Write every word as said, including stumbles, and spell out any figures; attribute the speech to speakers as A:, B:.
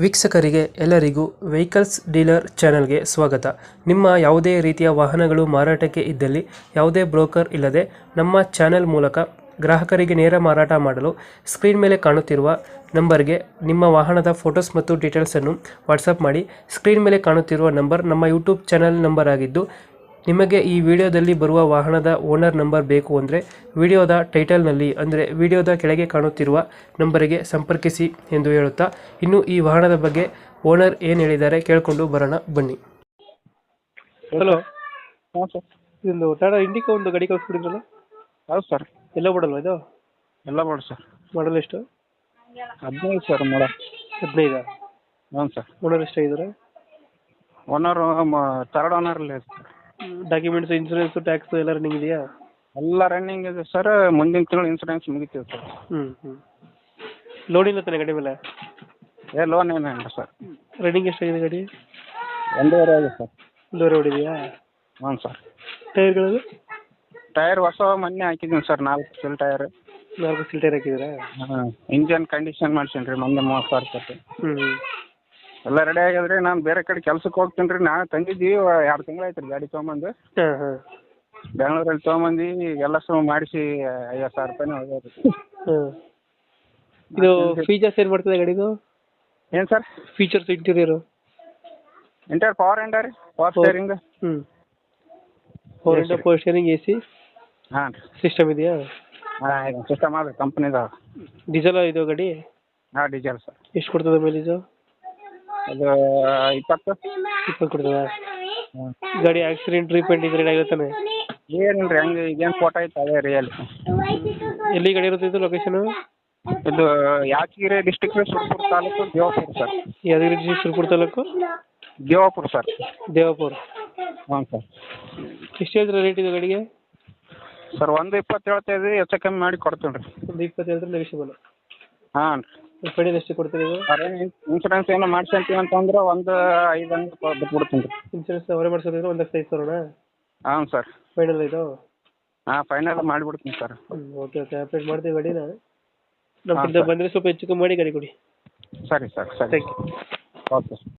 A: ವೀಕ್ಷಕರಿಗೆ ಎಲ್ಲರಿಗೂ vehicles dealer ಚಾನೆಲ್ಗೆ ಸ್ವಾಗತ. ನಿಮ್ಮ ಯಾವುದೇ ರೀತಿಯ ವಾಹನಗಳು ಮಾರಾಟಕ್ಕೆ ಇದ್ದಲ್ಲಿ ಯಾವುದೇ ಬ್ರೋಕರ್ ಇಲ್ಲದೆ ನಮ್ಮ ಚಾನೆಲ್ ಮೂಲಕ ಗ್ರಾಹಕರಿಗೆ ನೇರ ಮಾರಾಟ ಮಾಡಲು ಸ್ಕ್ರೀನ್ ಮೇಲೆ ಕಾಣುತ್ತಿರುವ ನಂಬರ್ಗೆ ನಿಮ್ಮ ವಾಹನದ ಫೋಟೋಸ್ ಮತ್ತು ಡೀಟೇಲ್ಸನ್ನು ವಾಟ್ಸಪ್ ಮಾಡಿ. ಸ್ಕ್ರೀನ್ ಮೇಲೆ ಕಾಣುತ್ತಿರುವ ನಂಬರ್ ನಮ್ಮ ಯೂಟ್ಯೂಬ್ ಚಾನೆಲ್ ನಂಬರ್ ಆಗಿದ್ದು, ನಿಮಗೆ ಈ ವಿಡಿಯೋದಲ್ಲಿ ಬರುವ ವಾಹನದ ಓನರ್ ನಂಬರ್ ಬೇಕು ಅಂದರೆ ವಿಡಿಯೋದ ಟೈಟಲ್ನಲ್ಲಿ ಅಂದರೆ ವಿಡಿಯೋದ ಕೆಳಗೆ ಕಾಣುತ್ತಿರುವ ನಂಬರಿಗೆ ಸಂಪರ್ಕಿಸಿ ಎಂದು ಹೇಳುತ್ತಾ, ಇನ್ನು ಈ ವಾಹನದ ಬಗ್ಗೆ ಓನರ್ ಏನು ಹೇಳಿದ್ದಾರೆ ಕೇಳಿಕೊಂಡು ಬರೋಣ ಬನ್ನಿ. ಹಲೋ,
B: ಹಾಂ ಸರ್.
A: ಇದೊಂದು ಟಾಟಾ ಇಂಡಿಕಾ ಒಂದು ಗಾಡಿ ಕಳಿಸ್ಬಿಟ್ಟಿದ್ರಲ್ಲ,
B: ಹೌದು ಸರ್.
A: ಎಲ್ಲ ಬಿಡಲ್ವಾ ಇದು?
B: ಎಲ್ಲ ಮಾಡಿ ಸರ್.
A: ಮಾಡಲ್ ಎಷ್ಟು?
B: ಹದಿನೈದು ಸರ್ ಮಾಡ
A: ಹದಿನೈದು.
B: ಹ್ಞೂ ಸರ್.
A: ಓನರ್ ಎಷ್ಟಾಗಿದ್ದಾರೆ?
B: ಓನರು ತರ್ಡ್ ಓನರಲ್ಲಿ ಇದೆ ಸರ್.
A: ಡಾಕ್ಯುಮೆಂಟ್ಸ್, ಇನ್ಸೂರೆನ್ಸ್, ಟ್ಯಾಕ್ಸ್ ಎಲ್ಲ ರನ್ನಿಂಗ್ ಇದೆಯಾ?
B: ಎಲ್ಲ ರನ್ನಿಂಗ್ ಇದೆ ಸರ್. ಮುಂದಿನ ತಿಂಗಳು ಇನ್ಸೂರೆನ್ಸ್ ಮುಗಿತೀವಿ ಸರ್.
A: ಹ್ಞೂ ಹ್ಞೂ ಲೋನ್ ಇಲ್ಲ ತಾನೆ ಗಾಡಿ ಮೇಲೆ?
B: ಏ ಲೋನ್ ಏನಿಲ್ಲ ಸರ್.
A: ರನ್ನಿಂಗ್ ಎಷ್ಟಾಗಿದೆ ಗಾಡಿ?
B: ಒಂದೂವರೆ ಆಗಿದೆ ಸರ್.
A: ಒಂದೂವರೆ ಹೊಡಿದೆಯಾ?
B: ಹ್ಞೂ ಸರ್.
A: ಟೈರ್ಗಳು?
B: ಟೈರ್ ಹೊಸ ಮೊನ್ನೆ ಹಾಕಿದ್ದೀನಿ ಸರ್, ನಾಲ್ಕು ಸಿಲ್ ಟೈರ್.
A: ನಾಲ್ಕು ಸಿಲ್ ಟೈರ್ ಹಾಕಿದ್ದೀರಾ?
B: ಹಾಂ. ಇಂಜನ್ ಕಂಡೀಷನ್ ಮಾಡ್ಸೀನಿ ರೀ, ಮೊನ್ನೆ ಮೂವತ್ತು ಸಾವಿರ ಕೊಟ್ಟು.
A: ಹ್ಞೂ
B: ಎಲ್ಲ ರೆಡಿ ಆಗ್ಯದ್ರಿ. ನಾನು ಬೇರೆ ಕಡೆ ಕೆಲ್ಸಕ್ಕೆ ಹೋಗ್ತೀನಿ ರೀ. ನಾನು ತಂದಿದ್ದೀವಿ, ಎರಡು ತಿಂಗಳು ಆಯ್ತು ರೀ ಗಾಡಿ ತೊಗೊಂಬಂದು.
A: ಹಾಂ ಹಾಂ
B: ಬೆಂಗಳೂರಲ್ಲಿ ತೊಗೊಂಬಂದು ಎಲ್ಲ ಸಹ ಮಾಡಿಸಿ ಐವತ್ತು ಸಾವಿರ ರೂಪಾಯಿನೇ ಹೋಗ್ಯದ ರೀ.
A: ಹಾಂ ಇದು ಫೀಚರ್ಸ್ ಏನು ಮಾಡ್ತದೆ ಗಾಡಿದು?
B: ಏನು ಸರ್?
A: Features interior?
B: ಇಂಟರ್ ಪವರ್ ಎಂಡ ರೀ, ಪವರ್ ಸ್ಟೇರಿಂಗ್.
A: ಹ್ಞೂ ಪವರ್ ಎಂಡ, ಪವರ್ ಸ್ಟೇರಿಂಗ್, ಎ ಸಿ
B: ಹಾಂ ರೀ.
A: ಸಿಸ್ಟಮ್ ಇದೆಯಾ?
B: ಹಾಂ ಇದು ಸಿಸ್ಟಮ್ ಅದು ಕಂಪ್ನಿದು.
A: ಡೀಸೆಲ್ ಇದು ಗಾಡಿ?
B: ಹಾಂ ಡೀಸೆಲ್ ಸರ್.
A: ಎಷ್ಟು ಕೊಡ್ತದೆ ಮೈಲೇಜು?
B: ಅದು ಇಪ್ಪತ್ತು.
A: ಇಪ್ಪತ್ತು ಕೊಡ್ತದಾ?
B: ಹ್ಞೂ.
A: ಗಾಡಿ ಆಕ್ಸಿಡೆಂಟ್ ರೀಪೇಂಟ್ ಇದ್ರೆ ಆಗಿರ್ತಾನೆ?
B: ಏನಿಲ್ಲ ರೀ, ಹಂಗೆ ಈಗೇನು ಫೋಟೋ ಐತೆ ಅದೇ ರಿಯಲ್.
A: ಎಲ್ಲಿ ಗಾಡಿ ಇರುತ್ತೆ ಇದು ಲೊಕೇಶನು?
B: ಇದು Yadgir district Surapura taluk, Devapura sir.
A: Yadgir district Surapura taluk,
B: Devapura sir.
A: Devapura.
B: ಹ್ಞೂ ಸರ್.
A: ಎಷ್ಟು ಹೇಳ್ತೀರಾ ರೇಟ್ ಇದು ಗಾಡಿಗೆ?
B: ಸರ್ ಒಂದು ಇಪ್ಪತ್ತು ಹೇಳ್ತಾ ಇದ್ದೀವಿ, ಹೆಚ್ಚು ಕಮ್ಮಿ ಮಾಡಿ ಕೊಡ್ತೀನಿ ರೀ.
A: ಒಂದು ಇಪ್ಪತ್ತು ಹೇಳಿದ್ರೆ ನೆಗೆಷಿಬಲ್?
B: ಹಾಂ ರೀ.
A: ಫೈನಲ್ ಎಷ್ಟು ಕೊಡ್ತೀರಿ ಇದು?
B: ಅದೇ ಇನ್ಸೂರೆನ್ಸ್ ಏನೋ ಮಾಡ್ಸಂತೀವಿ ಅಂತಂದ್ರೆ ಒಂದು ಐದು ಹಂಗೆ ಬಿಟ್ಬಿಡ್ತೀನಿ ರೀ.
A: ಇನ್ಸೂರೆನ್ಸ್ ಅವರೇ ಮಾಡಿಸೋದಿದ್ರೆ ಒಂದು ಲಕ್ಷ ಐದು ಸಾವಿರನಾ?
B: ಹಾಂ ಸರ್.
A: ಫೈನಲ್ ಇದು?
B: ಹಾಂ ಫೈನಲ್ ಮಾಡಿಬಿಡ್ತೀನಿ ಸರ್.
A: ಹ್ಞೂ ಓಕೆ ಓಕೆ ಅಪ್ಡೇಟ್ ಮಾಡ್ತೀವಿ ಗಾಡಿನ. ನಮ್ಮ ಕಡೆಯಿಂದ ಬಂದರೆ ಸ್ವಲ್ಪ ಹೆಚ್ಚು ಕಮ್ಮಿ ಮಾಡಿ ಗಾಡಿ ಕೊಡಿ.
B: ಸರಿ ಸರ್, ಸರಿ.
A: Thank you.
B: ಓಕೆ.